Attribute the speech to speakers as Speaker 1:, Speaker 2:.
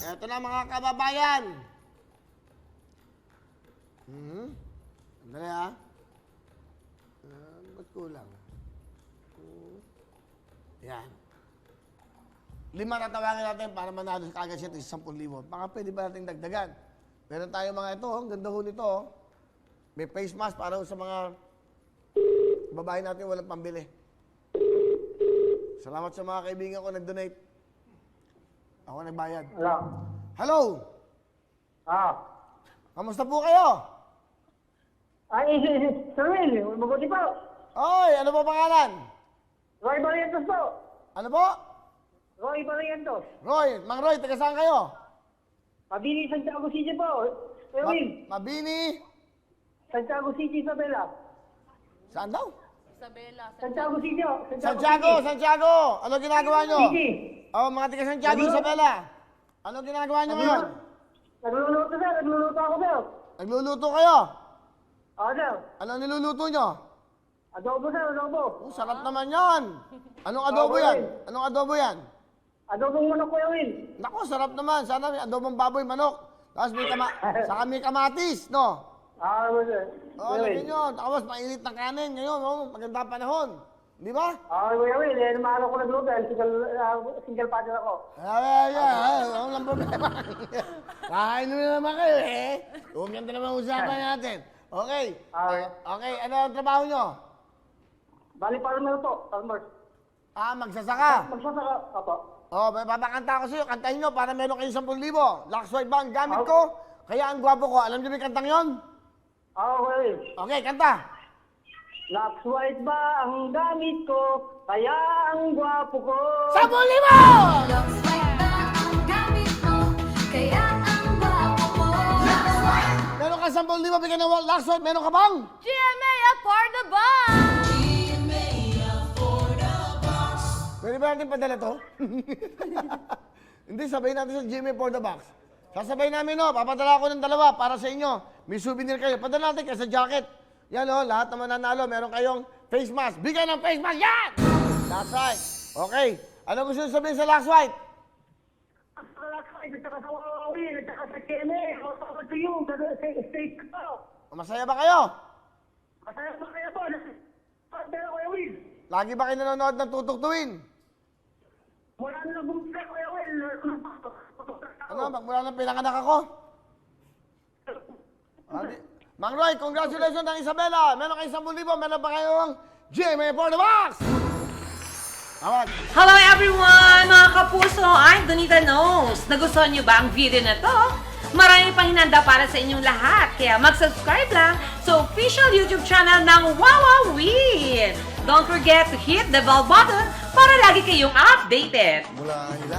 Speaker 1: Eto na mga kababayan. Andali ha. Ba't kulang? Yan. 5 tatawagin natin para manalo kagad siya sa 10,000. Baka pwede ba natin dagdagan? Meron tayo mga ito, ang ganda ho nito. May face mask para sa mga babae natin walang pambili. Salamat sa mga kaibigan ko nag-donate. Ako nagbayad.
Speaker 2: Hello.
Speaker 1: Hello! Kamusta po kayo?
Speaker 2: Ay, Sir Will, mabuti po.
Speaker 1: Oy, ano po pangalan?
Speaker 2: Roy Barrientos po.
Speaker 1: Ano po?
Speaker 2: Roy Barrientos.
Speaker 1: Roy, Mang Roy, taga saan kayo?
Speaker 2: Mabini, Santiago City po. Sir Will,
Speaker 1: Mabini?
Speaker 2: Santiago City, Isabela.
Speaker 1: Saan daw?
Speaker 2: Santiago City, oh.
Speaker 1: Santiago! Ano ginagawa nyo?
Speaker 2: City.
Speaker 1: Oh, mga taga Santiago, Isabela. Ano ginagawa nyo ngayon?
Speaker 2: Nagluluto, sir. Nagluluto ako, sir.
Speaker 1: Nagluluto kayo?
Speaker 2: Oo, sir.
Speaker 1: Ano niluluto nyo?
Speaker 2: Adobo, sir. Adobo.
Speaker 1: Oh, sarap naman yan. Anong adobo yan? Anong adobo yan?
Speaker 2: Adobong manok, Kuya Will.
Speaker 1: Naku, sarap naman. Sana may adobong baboy, manok. Tapos saka may kamatis, no?
Speaker 2: Ano, sir?
Speaker 1: Oh, lagyan nyo. Tapos mainit na kanin ngayon, oh. Maganda panahon. Di ba?
Speaker 2: Kuya Will. Mahalo ko nagluto. Single father ako.
Speaker 1: Ang lang problema. Kakain na naman kayo, eh. Ganda naman usapan natin. Okay. Okay, ano ang trabaho nyo?
Speaker 2: Bali, farmer po. Farmer.
Speaker 1: Magsasaka.
Speaker 2: Magsasaka. Opo.
Speaker 1: Oh, may papakanta ko sa'yo. Kantahin nyo para meron kayong 10,000. Lux White ba ang gamit ko? Kaya ang gwapo ko. Alam nyo ba yung kantang yon?
Speaker 2: Kuya Will.
Speaker 1: Okay, kanta.
Speaker 2: Lux White ba ang gamit ko? Kaya ang gwapo ko.
Speaker 1: 10,000!
Speaker 3: Lux White ba ang gamit mo? Kaya ang gwapo mo. Lux White!
Speaker 1: Meron ka 10,000 bigyan ng Lux White. Meron ka bang?
Speaker 3: GMA afford the box!
Speaker 1: Pwede ba natin padala to? Hindi, sabayin natin sa Jimmy for the box. Sasabay namin, no? Papadala ko ng 2 para sa inyo. May souvenir kayo. Padala natin kayo sa jacket. Yan, no? Lahat na mananalo. Meron kayong face mask. Bigay ng face mask. Yan! That's right. Okay. Ano gusto nyo sabihin sa Lux White?
Speaker 2: Lux White, nagtaka sa Huawei, nagtaka sa KMA. Masama to you. Stay ko.
Speaker 1: Masaya ba kayo?
Speaker 2: Masaya ba kayo po? Pero Kuya Will.
Speaker 1: Lagi ba kayo nanonood ng tutugtuin?
Speaker 2: Wala na bumisa, Kuya Will.
Speaker 1: Ano? Magmula ng pinanganak ako? Mang Roy, congratulations ng Isabela. Meron kayo 10,000. Meron pa kayong GMA for the box. Tawag.
Speaker 4: Hello everyone! Mga kapuso, I'm Donita Knows. Nagustuhan niyo ba ang video na to? Marami pang hinanda para sa inyong lahat. Kaya mag-subscribe lang sa official YouTube channel ng Wowowin. Don't forget to hit the bell button para lagi kayong updated.
Speaker 1: Mula